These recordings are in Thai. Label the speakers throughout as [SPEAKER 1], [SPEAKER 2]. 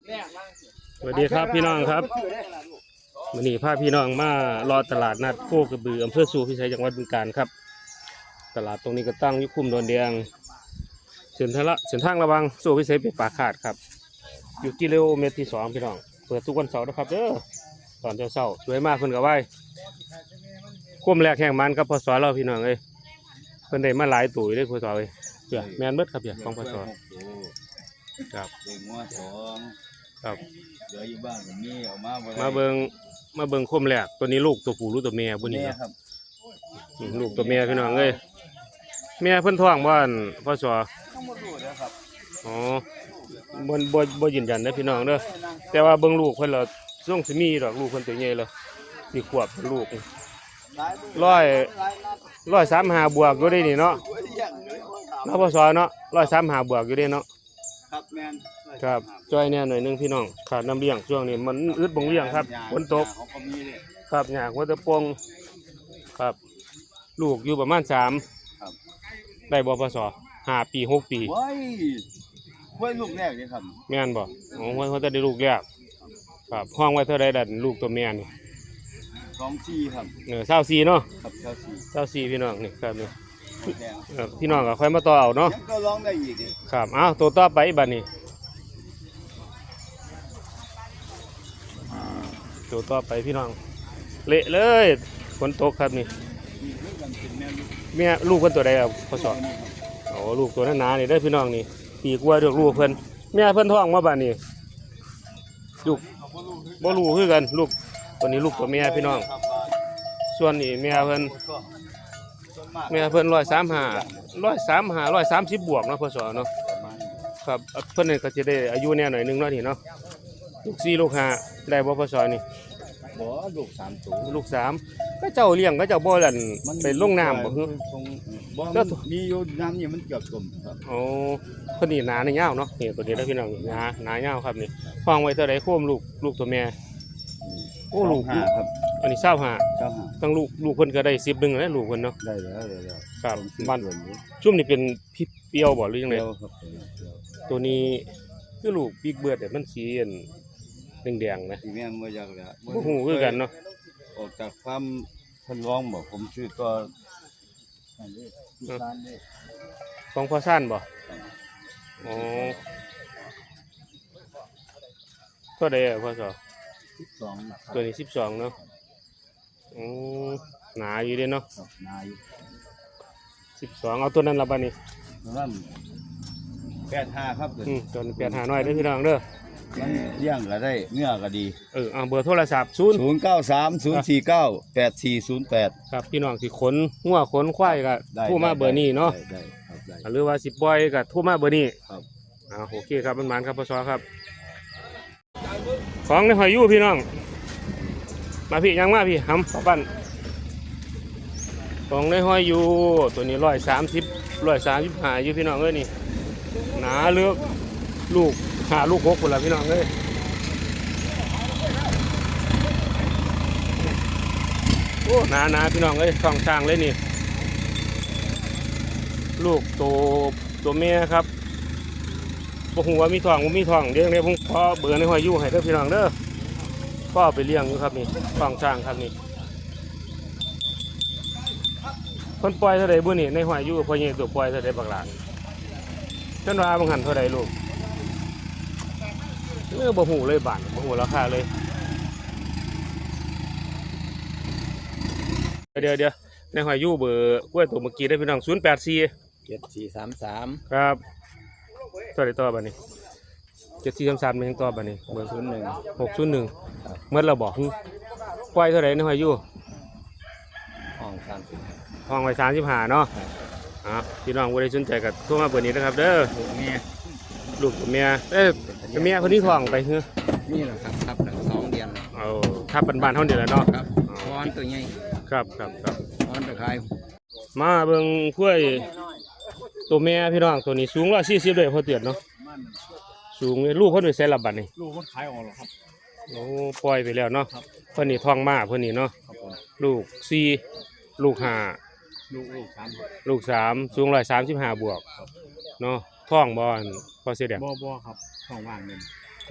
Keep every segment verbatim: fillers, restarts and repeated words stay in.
[SPEAKER 1] สวัสดีครับพี่น้องครับวันนี้พาพี่น้องมารอตลาดนัดโคกระบืออำเภอสู่พิสัยจังหวัดบึงกาฬครับตลาดตรงนี้ก็ตั้งอยู่คุ้มโดนแดงเส้นทางละเส้นทางระวังสู่พิสัยเป็นป่าขาดครับอยู่กิโลเมตรที่สองพี่น้องเปิดทุกวันเสาร์นะครับเด้อตอนเช้าๆสวยมากเพิ่นกับไหว้คุ้มแรกแห่งมันครับพศเราพี่น้องเอ้ยเพิ่นได้มาหลายตุ๋ยเลยพศเอ้ยเผื่อแมนเบิดครับเผื่อของพศครับ
[SPEAKER 2] เด็กงัวสอง
[SPEAKER 1] ครับ
[SPEAKER 2] เหลืออยู่บ้านผมนี่เอามา
[SPEAKER 1] มาเบิงมาเบิงคุ้มแรกตัวนี้ลูกตัวผู้ลูกตัวเมียบุนี้
[SPEAKER 2] ครับ
[SPEAKER 1] ลูกตัวเมียพี่น้องเอ้ยเมียเพิ่นท้องบ้านพ่อสอ
[SPEAKER 2] ต้องมาดูนะครับ
[SPEAKER 1] อ๋อบนบนบนยืนยันนะพี่น้องเด้อแต่ว่าเบิ่งลูกเพิ่นเราส่งสิมีดอกลูกเพิ่นตัวใหญ่เลยสี่ขวบลูกร้อยร้อยสามหาบวกอยู่ได้นี่เนาะเนาะพ่อสอเนาะร้อยสามหาบวกอยู่ได้เนาะ
[SPEAKER 2] ครับแมน
[SPEAKER 1] ครับจอยเนี่ยหน่อยนึงพี่น้องขาดน้ำเลี้ยงช่วงนี้มันอึดบ่งเลี้ยงครับฝนตกครับหยากว่าจะปงครับลูกอยู่ประมาณสามได้บ่พศห้าปีหกปี
[SPEAKER 2] ว้ายว้ายลูกแรกเลยครับ
[SPEAKER 1] แม่นบ่อ๋อว่าเขาจะได้ลูกแรกครับห้องไว้เท่าไรดันลูกตัวแม่นี่
[SPEAKER 2] สองสี่ครับ
[SPEAKER 1] เออเศร้าสี่เนาะ
[SPEAKER 2] ครับเศร้าสี่
[SPEAKER 1] เศร้าสี่พี่น้องนี่ครับนี่พี่น้องก็ค่อยมาต่อเอาเนาะ
[SPEAKER 2] ก็ร้องได้อีก
[SPEAKER 1] ครับอ้าวตัวต่อไปบัดนี้ตัวต่อไปพี่น้องเละเลยฝนตกครับนี่เมียลูกเพิ่นตัวใดครับพ่อสอนโอ้ลูกตัวนั้นหนานี่ได้พี่น้องนี่ปีกว่าเดือกลูกเพิ่นเมียเพิ่นท้องมาบัดนี้ลูกบ่รู้คือกันลูกตัวนี้ลูกตัวเมียพี่น้องส่วนนี้เมียเพิ่นเมียเพิ่นร้อยสามห้าร้อยสามห้าร้อยสามสิบบวกเนาะพ่อสอนเนาะครับเพิ่นนี่ก็จะได้อายุแน่หน่อยนึงเนาะนี่เนาะลูกสี่ลูกห้าได้บ่พ่อสอนนี่
[SPEAKER 2] บ่ลูกสามตัว
[SPEAKER 1] ลูกสามก็เจ้าเลี้ยงก็เจ้าบ่ลั่นไปลงน้ำบ่คือ
[SPEAKER 2] บ่มีอยู่น้ำนี่มันเกือบจมครับ
[SPEAKER 1] โอ้คนนี้หนาในยาวเนาะนี่ตัวนี้แล้วพี่น้องหนาหนายาวครับนี่ฟังไว้เท่าไรโค้มลูกลูกตัวแม่โอ้ลูก
[SPEAKER 2] ครับ
[SPEAKER 1] อันนี้เศร้าหา
[SPEAKER 2] เศร้าหา
[SPEAKER 1] ตั้งลูกลูกเพิ่นก็ได้สิบหนึ่งแล้วลูกเพิ่นเนาะ
[SPEAKER 2] ได้แล้วได้แล้ว
[SPEAKER 1] ครับบ้านชุ่มนี่เป็นพี่เปียวบ่หรือยังไงตัวนี้คือลูกบิ๊กเบิร์ดแต่มันสีแดงๆนะ
[SPEAKER 2] แม่นบ่อยากแล้ว
[SPEAKER 1] บ่ฮู้คือกันเนาะ
[SPEAKER 2] ออกจากความเพิ่นร้องบอกผมชื่อก็
[SPEAKER 1] ของพ่อซ่านบ่อ๋อเท่าใดอ่ะพ่อสอ
[SPEAKER 2] สิบสอง
[SPEAKER 1] ตัวนี้สิบสองเนาะอ๋อหนาอยู่เด้เนาะ
[SPEAKER 2] หนาอยู่
[SPEAKER 1] สิบสองเอาตัวนั้นละบัดนี้
[SPEAKER 2] นั่นแปดห้าครับ
[SPEAKER 1] อืมตัวแปดห้าน้อยเด้อพี่น้องเด้อ
[SPEAKER 2] มันเลี้ยงก็ได้เนื้อก็ดี
[SPEAKER 1] เออเอาเบอร์โทรศัพท์ศูนย์
[SPEAKER 2] ศูนย์ เก้า สาม ศูนย์ สี่ เก้า แปด สี่ ศูนย์ แปด
[SPEAKER 1] ครับพี่น้องสิขนงัวขนควายก็โทรมาเบอร์นี้เนาะ
[SPEAKER 2] ได้ครับได้
[SPEAKER 1] หรือว่าสิปล่อยก็โทรมาเบอร์นี้
[SPEAKER 2] ครับ
[SPEAKER 1] อ่าโอเคครับมันหมานครับพ่อสอครับของในหอยยู่พี่น้องมาพี่ยังมาพี่หำป้าปั้นของในหอยยู่ตัวนี้ร้อยสามสิบร้อยสามสิบห้าอยู่พี่น้องเอ้ยนี่หนาเลือกลูกหาลูกหกคนละพี่น้องเอ้ยโอ้หนาหนาพี่น้องเอ้ยท้องช้างเลยนี่ลูกตัวตัวเมียครับบ่ฮู้ว่ามีท้องบ่มีท้องเดี๋ยวนี้ผมขอเบอร์ในหอยยู่ให้เด้อพี่น้องเด้อพ่อไปเลี้ยงอยู่ครับนี่ท้องช้างครับนี่คนปล่อยเท่าใดบุนี่ในหอยยู่พ่อใหญ่ตัวปล่อยเท่าใดบักหลานจนว่าบางหันเท่าใดลูกเออบ่ฮู้เลยบาทบ่ฮู้ราคาเลยเดี๋ยวเดี๋ยวในหอยยู่เบอร์กล้วยตัวเมื่อกี้ได้พี่น้องศูนย์แปดสี่
[SPEAKER 2] เจ็ด สี่ สาม สาม
[SPEAKER 1] ครับตัวใดต่อบัดนี้เจ็ดสี่สามสามเป็นต่อบัดนี้เบอร์ศูนย์หนึ่งหกศูนย์หนึ่งเมื่อเราบอกกล้วยเท่าไหร่ในหอยยู่
[SPEAKER 2] ห้องสามสิบ
[SPEAKER 1] ห้องไว้สามสิบห้าเนาะอ่ะพี่น้องผู้ใดสนใจกับโทรมาเบอร์นี้นะครับเด้อ
[SPEAKER 2] ลูกเมีย
[SPEAKER 1] ลูกเมียเอ้ยเมียคนนี้ท้องไปเฮ้อ
[SPEAKER 2] นี่แหละครับครับสองเดือน
[SPEAKER 1] เอาทับบ้านๆเท่าเดียวแล้วเนาะ
[SPEAKER 2] ครับวอนตัวใหญ่
[SPEAKER 1] ครับครับครับ
[SPEAKER 2] วอนตะไคร้
[SPEAKER 1] มาเบิ่งกล้วยตัวเมียพี่น้องตัวนี้สูงร้อยสี่สิบเลยพอเตือนเนาะสูงลูกเพิ่นไปใส่ระบาดนี่
[SPEAKER 2] ลูกเพิ่นขายออกแล้วครับ
[SPEAKER 1] โอ้ปล่อยไปแล้วเนาะเพิ่นนี่ท้องมาเพิ่นนี่เนาะลูกสี่ลูกห้า
[SPEAKER 2] ลูกลูกสาม
[SPEAKER 1] ลูกสามสูงร้อยสามสิบห้าบวกเนาะท้องบ่อนพอเสียเดีย
[SPEAKER 2] บ่บ่ครับท้องว่างเงิน
[SPEAKER 1] ท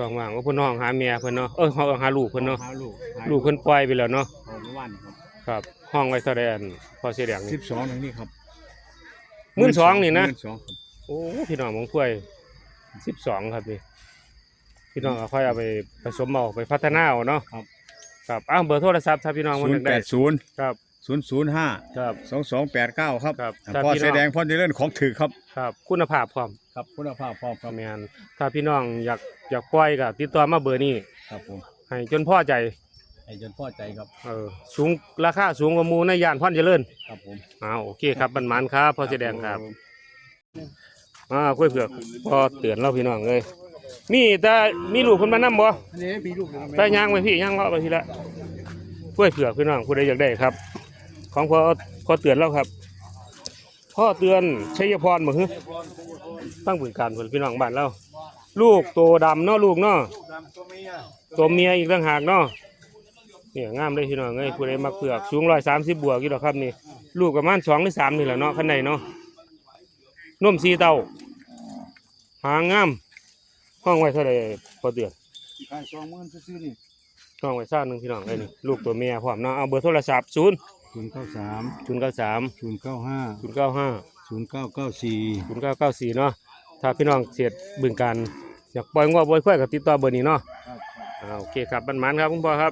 [SPEAKER 1] ช่องว่างว่าเพิ่นห้องหาเมียเพิ่นเนาะเอ้ยห้องหาลูกเพิ่นเนาะ
[SPEAKER 2] หาลูก
[SPEAKER 1] ลูกเพิ่นปล่อยไปแล้วเนาะ
[SPEAKER 2] เอาเมื่อวานครับ
[SPEAKER 1] ครับห้องไว้เท่าใดอันพอเสียแดง
[SPEAKER 2] สิ
[SPEAKER 1] นี่
[SPEAKER 2] บสองตรงนี้ครับ
[SPEAKER 1] หมื่นสองนี่นะ
[SPEAKER 2] หมื่สองครับ
[SPEAKER 1] โอ้พี่น้องของถ้วยสิบสองครับนี่พี่น้องก็ค่อยเอาไปผสมเอาไปพัฒนาเอาเนาะครับอ้าวเบอร์โทรศัพท์ถ้าพี่น้อง
[SPEAKER 2] ศู
[SPEAKER 1] มัน
[SPEAKER 2] น
[SPEAKER 1] อยา
[SPEAKER 2] ย์
[SPEAKER 1] ก
[SPEAKER 2] แป
[SPEAKER 1] ได้
[SPEAKER 2] ดศูนย์
[SPEAKER 1] ครับ
[SPEAKER 2] ศูนย์ศูนย์ห้า
[SPEAKER 1] ครับ
[SPEAKER 2] สองสองแปดเก้าครับ
[SPEAKER 1] ครับ
[SPEAKER 2] พ่อ
[SPEAKER 1] ถ้าพี่น้อง
[SPEAKER 2] แสดงพ่อจะเล่นของถือครับ
[SPEAKER 1] ครับคุณภาพพร้อม
[SPEAKER 2] ครับคุณภาพพร้อมครับ
[SPEAKER 1] แม่นถ้าพี่น้องอยากอยากปล่อยก็ติดต่อมาเบอร์นี้
[SPEAKER 2] ครับผม
[SPEAKER 1] ให้จนพอใจ
[SPEAKER 2] ให้จนพ่อใจครับ
[SPEAKER 1] เออสูงราคาสูงกว่าหมู่ในย่านพรเจริญ
[SPEAKER 2] ครับผม
[SPEAKER 1] อ้าวโอเคครับบันมันครับพอเสอแดงครับอ่ากล้วยเผือกพอเตือนเราพี่น้องเลยมีแต่มีลูกคนมานำบ่
[SPEAKER 2] อันนี้มีลูก
[SPEAKER 1] ไปย่างไปพี่ย่างเลาะไปพี่ละกล้วยเผือกพี่น้องผู้ใดอยากได้ครับ ของพอพอเตือนเราครับพ่อเตือนชัยพรบ่ฮึตั้งบริการเพิ่นพี่น้องบ้านเราลูกโตดำเนาะลูกเนาะตัวเมียอีกต่างหากเนาะเนี่ยงามเลยพี่น้องเอ้ยผู้ใดมักเผือกสูงร้อยสามสิบบวกอยู่ดอกครับนี่ลูกประมาณสองหรือสามนี่แหละเนาะข้างในเนาะนมสีเต้าหางงามห้องไว้เท่าไรพอเตือน
[SPEAKER 2] ขายสองหมื่นซื้อนี่
[SPEAKER 1] ห้องไว้ซ่าหนึ่งพี่น้องไอ้นี่ลูกตัวเมียพร้อมเนาะเอาเบอร์โทรศัพท์ศูนย์
[SPEAKER 2] ศูนย์เก้าสาม
[SPEAKER 1] ศูนย์เก้าสาม
[SPEAKER 2] ศูนย์เก้าห้า
[SPEAKER 1] ศูนย์เก้าห้า
[SPEAKER 2] ศูนย์เก้าเก้าสี่
[SPEAKER 1] ศูนย์เก้าเก้าสี่เนาะถ้าพี่น้องเสียดบึงการอยากปล่อยงวปล่อยควายกับติดต่อเบอร์นี้เนาะอ่าโอเคครับบันมันครับคุณพ่อครับ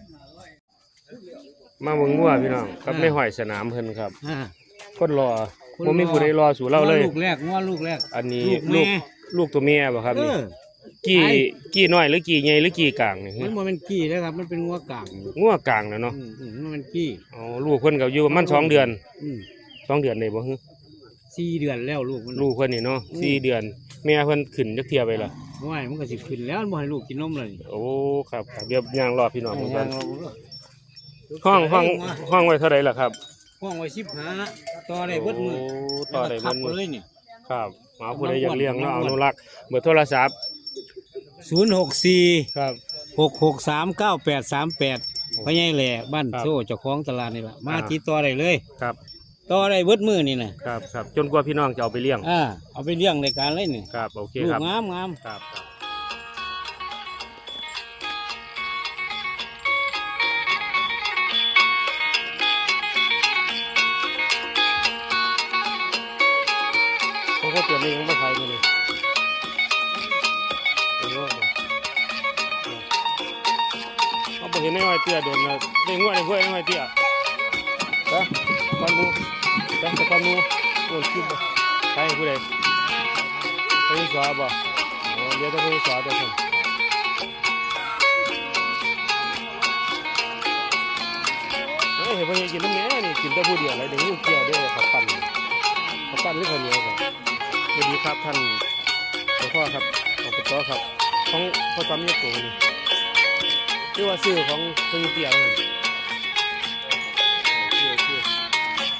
[SPEAKER 1] มาเบิ่งงัวพี่น้องกับไม่ห้อยสนามเพิ่นครับ
[SPEAKER 3] อ่า
[SPEAKER 1] คนรอบ่มีผู้ใดรอสู่เราเลย
[SPEAKER 3] ลูกแรกง้อลูกแรก
[SPEAKER 1] อันนี้
[SPEAKER 3] ลู
[SPEAKER 1] ลู
[SPEAKER 3] ก
[SPEAKER 1] ก
[SPEAKER 3] แม่
[SPEAKER 1] ลูกตัวเมียบ่ครับ
[SPEAKER 3] เอ
[SPEAKER 1] นี่
[SPEAKER 3] อ
[SPEAKER 1] กี่
[SPEAKER 3] ไอ้
[SPEAKER 1] กี่น้อยหรือกี่ใหญ่หรือกี่กลางนี่
[SPEAKER 3] มันบ่เป็นกี้นะครับ มันเป็นงัวกลาง
[SPEAKER 1] งัวกลางนะเนาะ
[SPEAKER 3] อืมอืมมันเป็นกี้
[SPEAKER 1] อ๋อลูกเพิ่นก็อยู่ประมาณสองเดือน
[SPEAKER 3] อืม
[SPEAKER 1] สองเดือนได้บ่ฮึ
[SPEAKER 3] สี่เดือนแล้วลูกมัน
[SPEAKER 1] ลูกเพิ่นนี่เนาะสี่เดือนแม่เพิ่นขึ้นจักเที่ยไปล่ะ
[SPEAKER 3] ว่ายมันก็สิขึ้นแล้วมันบ่ให้ลูกกินนมเลย
[SPEAKER 1] โอ้ครับครับเดี๋ยวย่างรอพี่น้องเพิ่นก่อน
[SPEAKER 3] เอา
[SPEAKER 1] ห้องห้องห้องไว้เท่าไหร่ล่ะครับ
[SPEAKER 3] ห้องไว้สิบห้าต่อได้เบิดมือ
[SPEAKER 1] โอ้ต่อได้เบิดมื้อ
[SPEAKER 3] เลยนี่
[SPEAKER 1] ครับเอาผู้ใดอยากเลี้ยงเนาะเอาอนุรักษ์เบอร์โทรศัพท์
[SPEAKER 3] ศูนย์หกสี่
[SPEAKER 1] ครับ
[SPEAKER 3] หกหกสามเก้าแปดสามแปดพ่อใหญ่แหล่บ้าน
[SPEAKER 1] ครับ
[SPEAKER 3] โซ่เจ้าของตลาดนี่ล่ะมา
[SPEAKER 1] อ่า
[SPEAKER 3] ติดต่อได้เลย
[SPEAKER 1] ครับ
[SPEAKER 3] ต่อได้เบิดมือนี่นะครับ
[SPEAKER 1] ครับจนกว่าพี่น้องจะเอาไปเลี้ยง
[SPEAKER 3] อ่าเอาไปเลี้ยงในการเลยนี่
[SPEAKER 1] ครับโอเค
[SPEAKER 3] ลู
[SPEAKER 1] ค
[SPEAKER 3] ก
[SPEAKER 1] รับ
[SPEAKER 3] งามงาม
[SPEAKER 1] ครับครับเขาก็เตรียมเองมาขายมาเลยเดี๋ยวว่าเขาบอกเห็นในห้อยเตี้ยโดนนะได้งวดในห้วยในห้อยเตี้ยไปก้อนหมูไปไปก้อนหมูโดนคิดไปใครผู้ใดไปสอบบ่โอ้เดี๋ยวจะไปสอบตัวฉันเฮ้ยเห็นพ่อยังกินน้ำเนี้ยนี่กินแต่ผู้เดียวอะไรเดี๋ยวหิ้วเกี่ยวเด้อขับปั่นขับปั่นหรือข้าวเหนียวครับสวัสดีครับท่านหลวงพ่อครับขอบคุณต่อครับของพ่อจำยกตัวนี่ชื่อว่าชื่อของพ่อยังเตี้ยครับ